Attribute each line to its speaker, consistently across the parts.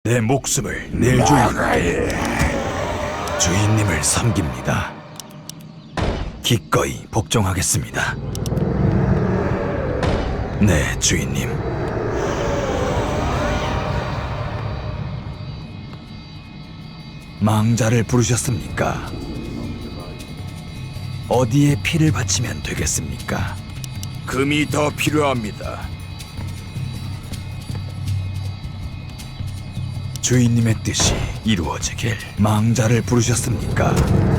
Speaker 1: 내 목숨을 낼 주인께 주인님을 섬깁니다. 기꺼이 복종하겠습니다. 네, 주인님. 망자를 부르셨습니까? 어디에 피를 바치면 되겠습니까?
Speaker 2: 금이 더 필요합니다.
Speaker 1: 주인님의 뜻이 이루어지길. 망자를 부르셨습니까?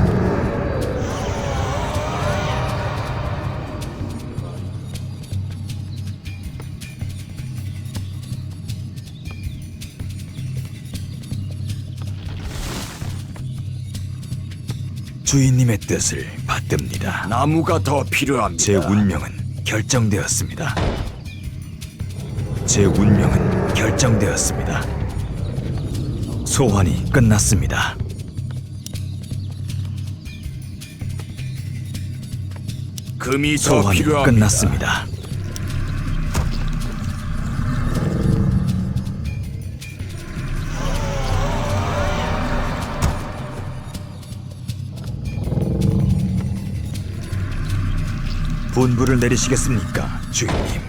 Speaker 1: 주인님의 뜻을 받듭니다.
Speaker 2: 나무가 더 필요합니다.
Speaker 1: 제 운명은 결정되었습니다. 제 운명은 결정되었습니다. 소환이 끝났습니다.
Speaker 2: 금이 더
Speaker 1: 소환이
Speaker 2: 필요합니다.
Speaker 1: 끝났습니다. 분부를 내리시겠습니까, 주인님?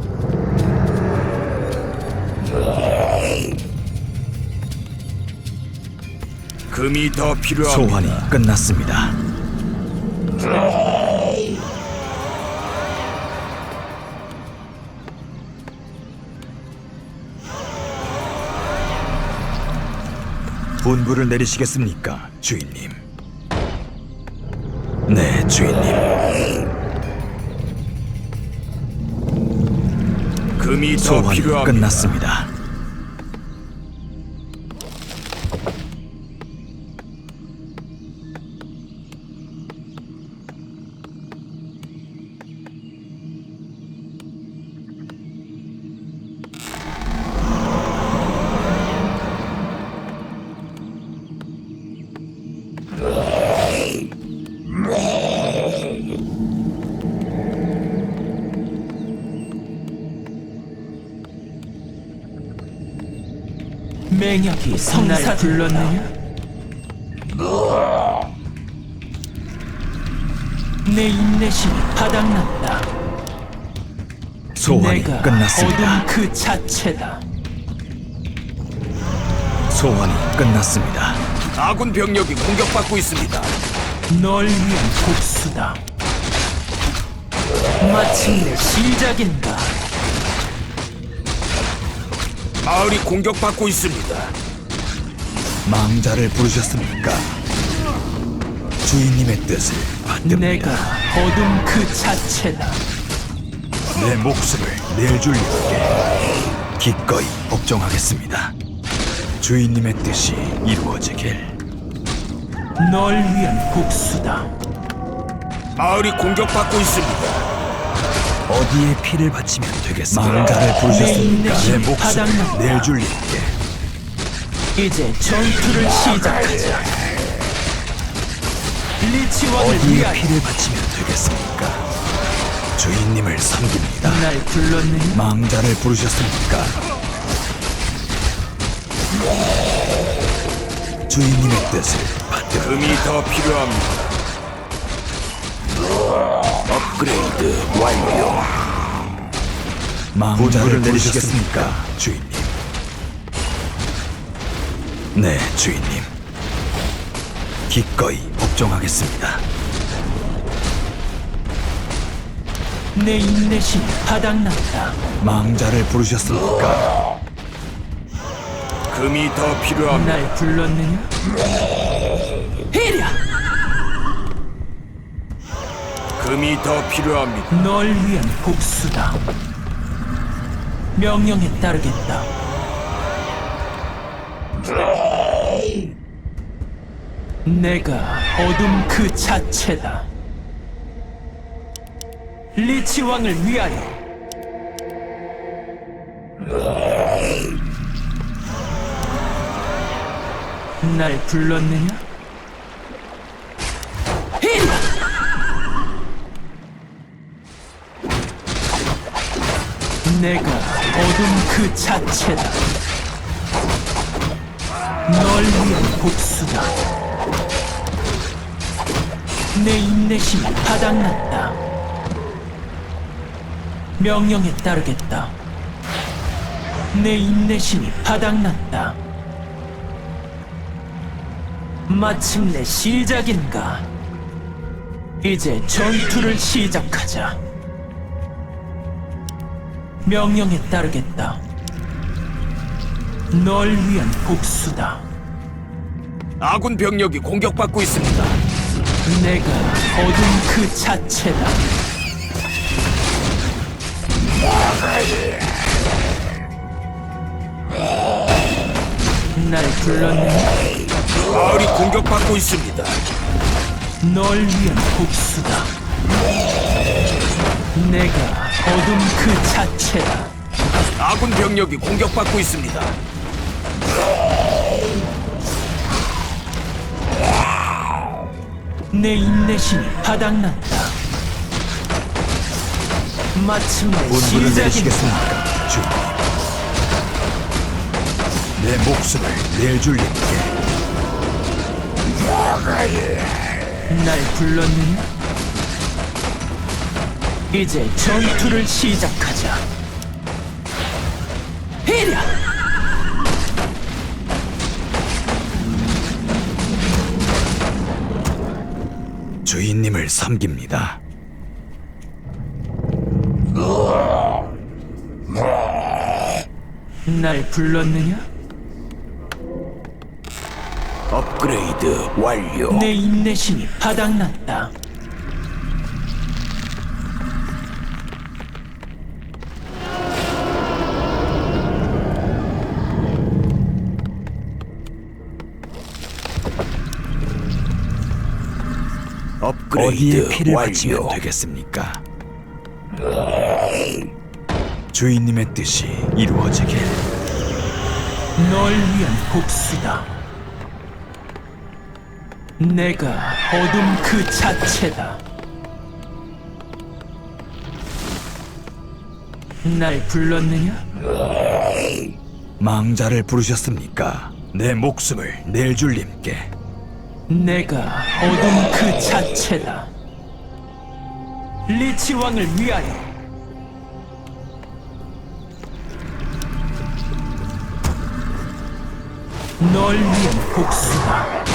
Speaker 2: 금이 더 필요합니다.
Speaker 1: 소환이 끝났습니다. 분부를 내리시겠습니까, 주인님? 네, 주인님.
Speaker 2: 금이 더
Speaker 1: 소환이
Speaker 2: 필요합니다.
Speaker 1: 끝났습니다.
Speaker 3: 맹약이 성사 불렀느냐? 내 인내심이 바닥났다.
Speaker 1: 소환이
Speaker 3: 내가
Speaker 1: 끝났습니다.
Speaker 3: 어둠 그 자체다.
Speaker 1: 소환이 끝났습니다.
Speaker 2: 아군 병력이 공격받고 있습니다.
Speaker 3: 널 위한 복수다. 마침내 시작인가?
Speaker 2: 마을이 공격받고 있습니다.
Speaker 1: 망자를 부르셨습니까? 주인님의 뜻을 받듭니다.
Speaker 3: 내가 어둠 그 자체다.
Speaker 1: 내 목숨을 낼 주인께 기꺼이 복종하겠습니다. 주인님의 뜻이 이루어지길.
Speaker 3: 널 위한 복수다.
Speaker 2: 마을이 공격받고 있습니다.
Speaker 1: 어디에 피를 바치면 되겠습니까? 망자를
Speaker 3: 내
Speaker 1: 부르셨습니까?
Speaker 3: 인내심이
Speaker 1: 내 목숨을
Speaker 3: 바닥났다.
Speaker 1: 낼 주인께
Speaker 3: 이제 전투를 시작하자. 리치왕을
Speaker 1: 어디에
Speaker 3: 위하여
Speaker 1: 피를 바치면 되겠습니까? 주인님을 섬깁니다.
Speaker 3: 날 불렀느냐?
Speaker 1: 망자를 부르셨습니까? 주인님의 뜻을 받듭니다.
Speaker 2: 금이 더 필요합니다. 업그레이드 완료.
Speaker 1: 망자를 내리시겠습니까, 주인님? 네, 주인님. 기꺼이 복종하겠습니다.
Speaker 3: 내 인내심이 바닥났다.
Speaker 1: 망자를 부르셨습니까?
Speaker 2: 금이 더 필요합니다.
Speaker 3: 날 불렀느냐? 이랴!
Speaker 2: 금이 더 필요합니다.
Speaker 3: 널 위한 복수다. 명령에 따르겠다. 내가 어둠 그 자체다. 리치 왕을 위하여. 날 불렀느냐? 이랴! 내가 어둠 그 자체다. 널 위한 복수다. 내 인내심이 바닥났다. 명령에 따르겠다. 내 인내심이 바닥났다. 마침내 시작인가? 이제 전투를 시작하자. 명령에 따르겠다. 널 위한 복수다.
Speaker 2: 아군 병력이 공격받고 있습니다.
Speaker 3: 내가 어둠 그 자체다. 날 불렀느냐?
Speaker 2: 마을이 공격받고 있습니다.
Speaker 3: 널 위한 복수다. 내가 어둠 그 자체다.
Speaker 2: 아군 병력이 공격받고 있습니다.
Speaker 3: 내 인내심이 바닥났다. 마침내
Speaker 1: 분부를
Speaker 3: 시작이다.
Speaker 1: 내리시겠습니까, 주님? 내 목숨을 내줄 님께
Speaker 3: 날 불렀느냐? 이제 전투를 시작하자. 히랴!
Speaker 1: 주인님을 섬깁니다.
Speaker 3: 날 불렀느냐?
Speaker 2: 업그레이드 완료.
Speaker 3: 내 인내심이 바닥났다.
Speaker 2: 업그레이드
Speaker 1: 어디에 피를 바치면
Speaker 2: 완료.
Speaker 1: 되겠습니까? 주인님의 뜻이 이루어지길.
Speaker 3: 널 위한 복수다. 내가 어둠 그 자체다. 날 불렀느냐?
Speaker 1: 망자를 부르셨습니까? 내 목숨을 내줄 님께.
Speaker 3: 내가 어둠 그 자체다. 리치 왕을 위하여. 널 위한 복수다.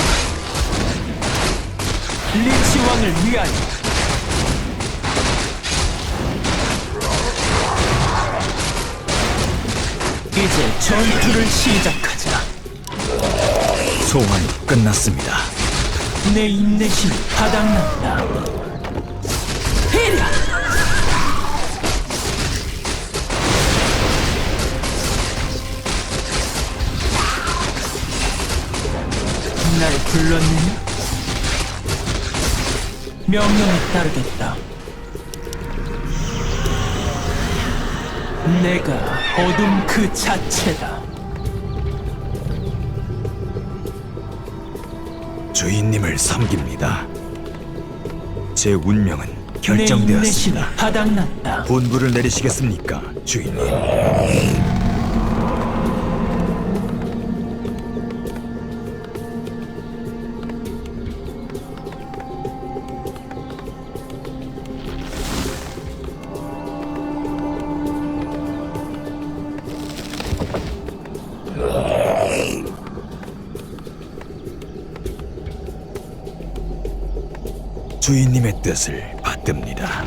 Speaker 3: 리치 왕을 위하여. 이제 전투를 시작하자.
Speaker 1: 소환이 끝났습니다.
Speaker 3: 내 인내심이 바닥났다. 히랴! 날 불렀느냐? 명령에 따르겠다. 내가 어둠 그 자체다.
Speaker 1: 주인님을 섬깁니다. 제 운명은
Speaker 3: 내 인내심이
Speaker 1: 결정되었습니다.
Speaker 3: 바닥났다.
Speaker 1: 분부를 내리시겠습니까, 주인님? 주인님의 뜻을 받듭니다.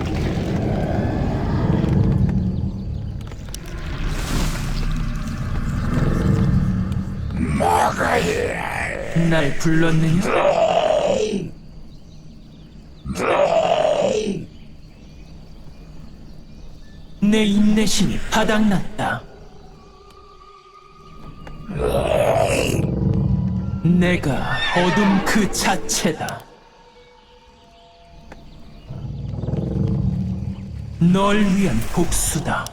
Speaker 3: 날 불렀느냐? 내 인내심이 바닥났다. 내가 어둠 그 자체다. 널 위한 복수다.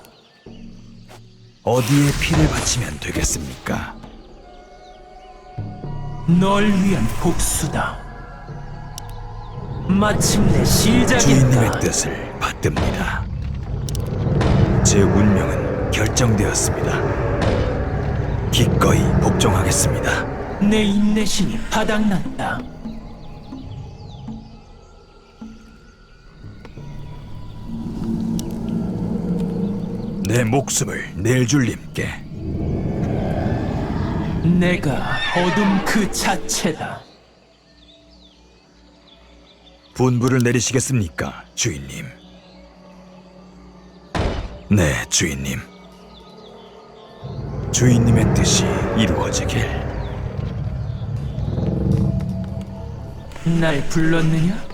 Speaker 1: 어디에 피를 바치면 되겠습니까?
Speaker 3: 널 위한 복수다. 마침내 시작이다.
Speaker 1: 주인님의 뜻을 받듭니다. 제 운명은 결정되었습니다. 기꺼이 복종하겠습니다.
Speaker 3: 내 인내심이 바닥났다.
Speaker 1: 내 목숨을 낼 줄님께
Speaker 3: 내가 어둠 그 자체다.
Speaker 1: 분부를 내리시겠습니까, 주인님? 네, 주인님. 주인님의 뜻이 이루어지길.
Speaker 3: 날 불렀느냐?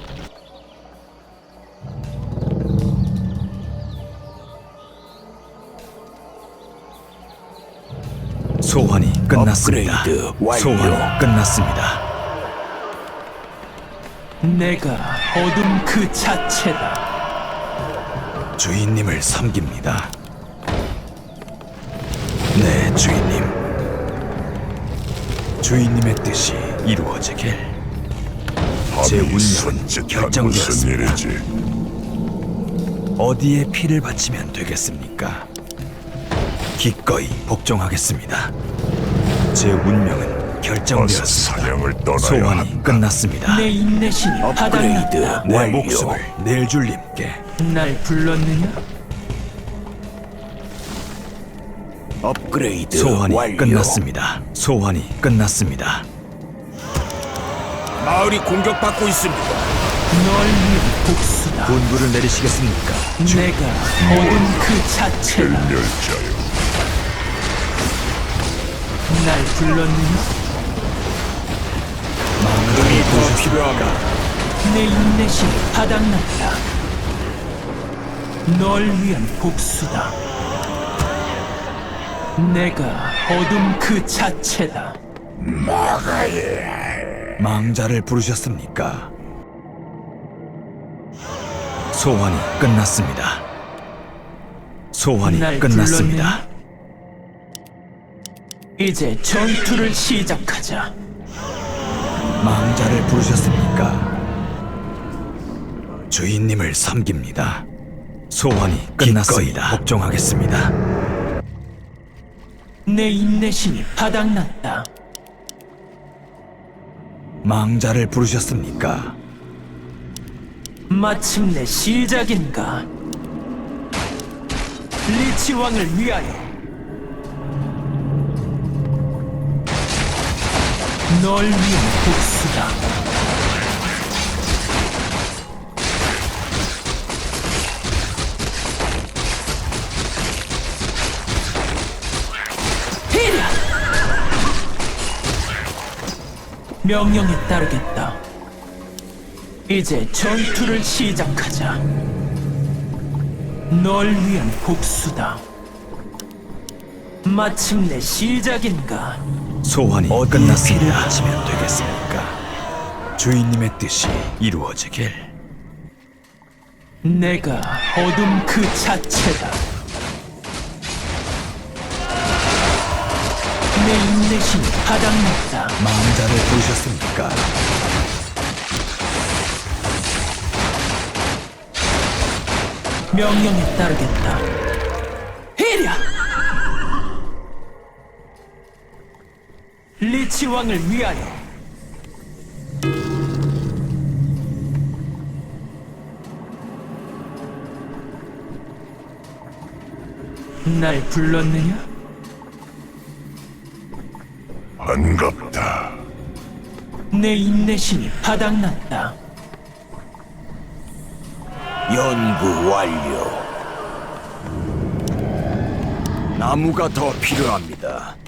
Speaker 1: 소환이 끝났습니다.
Speaker 2: 업그레이드 완료.
Speaker 1: 소환이 끝났습니다.
Speaker 3: 내가 어둠 그 자체다.
Speaker 1: 주인님을 섬깁니다. 네, 주인님. 주인님의 뜻이 이루어지길. 제 운명은 결정되었습니다. 어디에 피를 바치면 되겠습니까? 기꺼이 복종하겠습니다. 제 운명은 결정되었습니다.
Speaker 4: 사냥을 떠나야
Speaker 1: 소환이
Speaker 4: 한다.
Speaker 1: 끝났습니다.
Speaker 3: 내 인내심이
Speaker 2: 업그레이드
Speaker 3: 바닥났다.
Speaker 1: 내
Speaker 2: 완료.
Speaker 1: 목숨을 낼 줄님께
Speaker 3: 날 불렀느냐?
Speaker 2: 업그레이드
Speaker 1: 소환이
Speaker 2: 완료.
Speaker 1: 끝났습니다. 소환이 끝났습니다.
Speaker 2: 마을이 공격받고 있습니다.
Speaker 3: 널 위한 복수다.
Speaker 1: 분부를 내리시겠습니까?
Speaker 3: 내가 어둠 그 자체다.
Speaker 4: 멸자여,
Speaker 3: 날 불렀느냐?
Speaker 2: 금이 더 필요합니다.
Speaker 3: 내 인내심이 바닥났다. 널 위한 복수다. 내가 어둠 그 자체다.
Speaker 1: 망자를 부르셨습니까? 소환이 끝났습니다. 소환이
Speaker 3: 날
Speaker 1: 끝났습니다.
Speaker 3: 이제 전투를 시작하자.
Speaker 1: 망자를 부르셨습니까? 주인님을 섬깁니다. 소환이 끝났습니다. 복종하겠습니다.
Speaker 3: 내 인내심이 바닥났다.
Speaker 1: 망자를 부르셨습니까?
Speaker 3: 마침내 시작인가? 리치 왕을 위하여 널 위한 복수다. 히랴! 명령에 따르겠다. 이제 전투를 시작하자. 널 위한 복수다. 마침내 시작인가?
Speaker 1: 소환이
Speaker 2: 어디에 피를
Speaker 1: 끝났습니다.
Speaker 2: 바치면
Speaker 1: 되겠습니까? 주인님의 뜻이 이루어지길.
Speaker 3: 내가 어둠 그 자체다. 내 인내심이 바닥났다.
Speaker 1: 망자를 부르셨습니까?
Speaker 3: 명령에 따르겠다. 히랴! 리치 왕을 위하여 날 불렀느냐?
Speaker 4: 반갑다.
Speaker 3: 내 인내심이 바닥났다.
Speaker 2: 연구 완료. 나무가 더 필요합니다.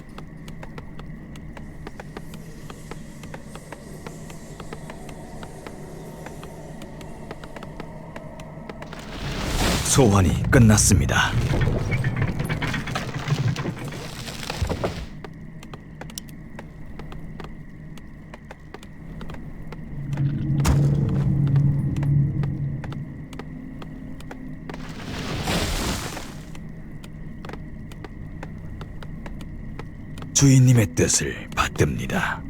Speaker 1: 소환이 끝났습니다. 주인님의 뜻을 받듭니다.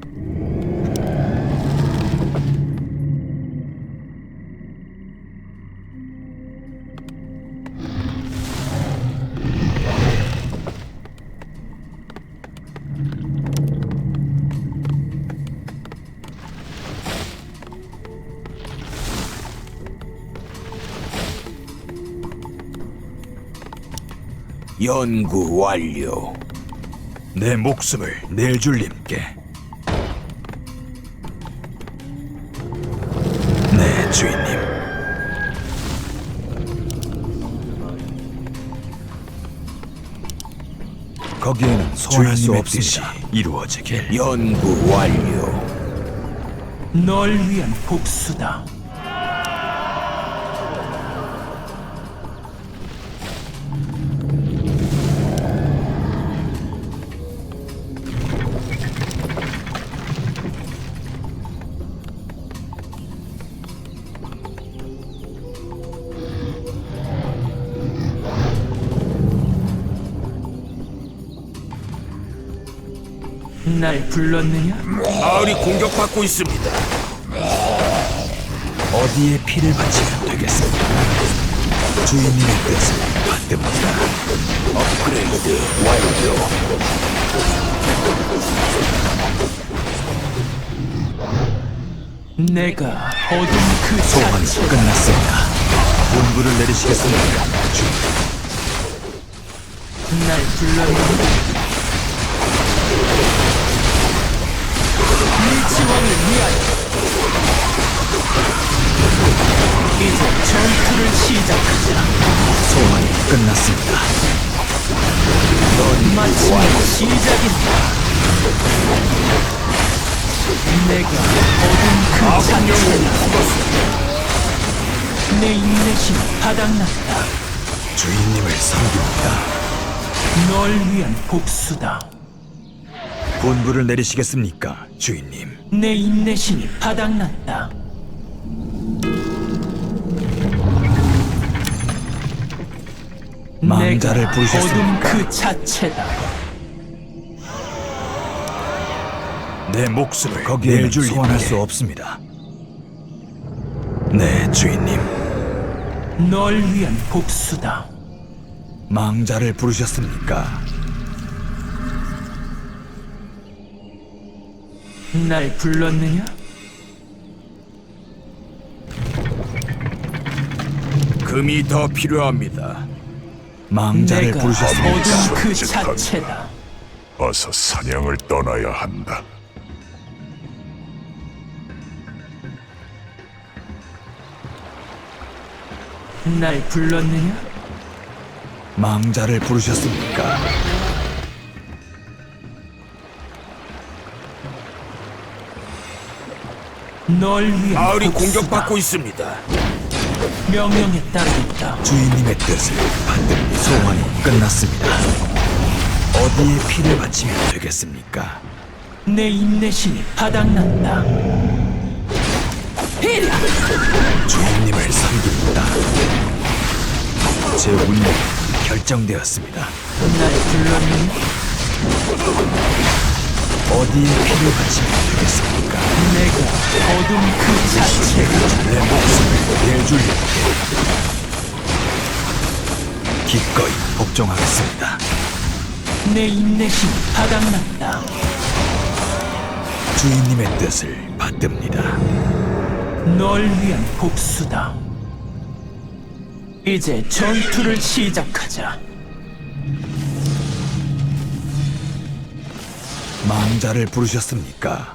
Speaker 2: 연구 완료.
Speaker 1: 내 목숨을 낼 줄님께. 네, 주인님. 거기에는 소환할 수
Speaker 2: 주인님의
Speaker 1: 없습니다. 이루어지길.
Speaker 2: 연구 완료.
Speaker 3: 널 위한 복수다. 날 불렀느냐?
Speaker 2: 마을이 공격받고 있습니다.
Speaker 1: 어디에 피를 바치면 되겠습니까? 주인님의 뜻을 받듭니다.
Speaker 2: 업그레이드 완료.
Speaker 3: 내가 어둠 그
Speaker 1: 소환이
Speaker 3: 자체.
Speaker 1: 끝났습니다. 분부를 내리시겠습니까? 주인님.
Speaker 3: 날 불렀느냐? 일지왕을 위하여 이제 전투를 시작하자.
Speaker 1: 소환이 끝났습니다.
Speaker 3: 마침내 시작이다. 내가 어둠 그
Speaker 2: 아군
Speaker 3: 자체다.
Speaker 2: 영웅이 죽었습니다.
Speaker 3: 내 인내심이 바닥났다.
Speaker 1: 주인님을 섬깁니다.
Speaker 3: 널 위한 복수다.
Speaker 1: 분부를 내리시겠습니까? 주인님.
Speaker 3: 내 인내심이 바닥났다.
Speaker 1: 망자를
Speaker 3: 내가
Speaker 1: 부르셨습니까?
Speaker 3: 어둠 그 자체다.
Speaker 1: 내 목숨을 거기에 소환할 수 없습니다. 네, 주인님.
Speaker 3: 널 위한 복수다.
Speaker 1: 망자를 부르셨습니까?
Speaker 3: 날 불렀느냐?
Speaker 2: 금이 더 필요합니다.
Speaker 1: 망자를
Speaker 3: 내가
Speaker 1: 부르셨습니까?
Speaker 3: 어둠 그
Speaker 4: 솔직하게.
Speaker 3: 자체다.
Speaker 4: 어서 사냥을 떠나야 한다.
Speaker 3: 날 불렀느냐?
Speaker 1: 망자를 부르셨습니까?
Speaker 3: 널 위한
Speaker 2: 마을이
Speaker 3: 복수다.
Speaker 2: 공격받고 있습니다.
Speaker 3: 명령에 따르겠다.
Speaker 1: 주인님의 뜻을 받듭니다. 소환이 끝났습니다. 어디에 피를 바치면 되겠습니까?
Speaker 3: 내 인내심이 바닥났다. 히랴!
Speaker 1: 주인님을 섬깁니다. 제 운명이 결정되었습니다.
Speaker 3: 날 불렀느냐?
Speaker 1: 어디에 피를 바치면 되겠습니까?
Speaker 3: 내가 어둠 그 자체다.
Speaker 1: 내 목숨을 내줄님께 기꺼이 복종하겠습니다.
Speaker 3: 내 인내심이 바닥났다.
Speaker 1: 주인님의 뜻을 받듭니다.
Speaker 3: 널 위한 복수다. 이제 전투를 시작하자.
Speaker 1: 망자를 부르셨습니까?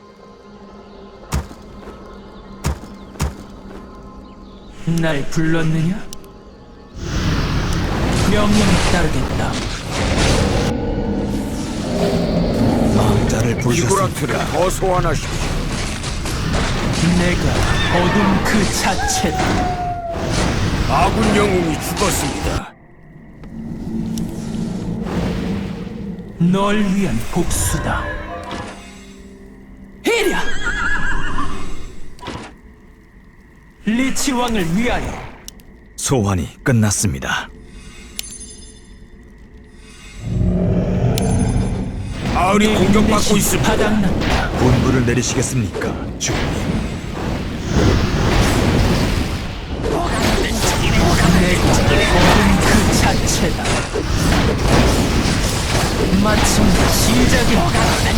Speaker 3: 날 불렀느냐? 명령에 따르겠다.
Speaker 1: 망자를
Speaker 2: 이구라트를
Speaker 1: 부르셨습니까?
Speaker 2: 더 소환하십시오.
Speaker 3: 내가 어둠 그 자체다.
Speaker 2: 아군 영웅이 죽었습니다.
Speaker 3: 널 위한 복수다. 히랴! 리치 왕을 위하여
Speaker 1: 소환이 끝났습니다.
Speaker 2: 마을이 공격받고 있습니다.
Speaker 3: 바닥났다.
Speaker 1: 분부를 내리시겠습니까, 주인님?
Speaker 3: 내가 어둠 그 자체다. 마침내 시작이다.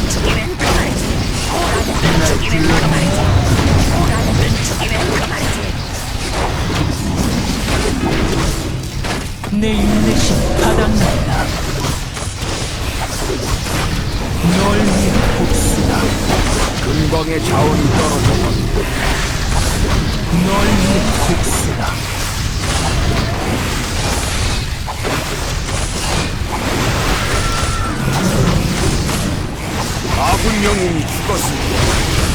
Speaker 3: 날 불렀느냐? 내 인내심이 바닥난다. 널 위해 복수다.
Speaker 2: 금광의 자원이 떨어져
Speaker 3: 널 위해 복수다.
Speaker 2: 아군 영웅이 죽었습니다.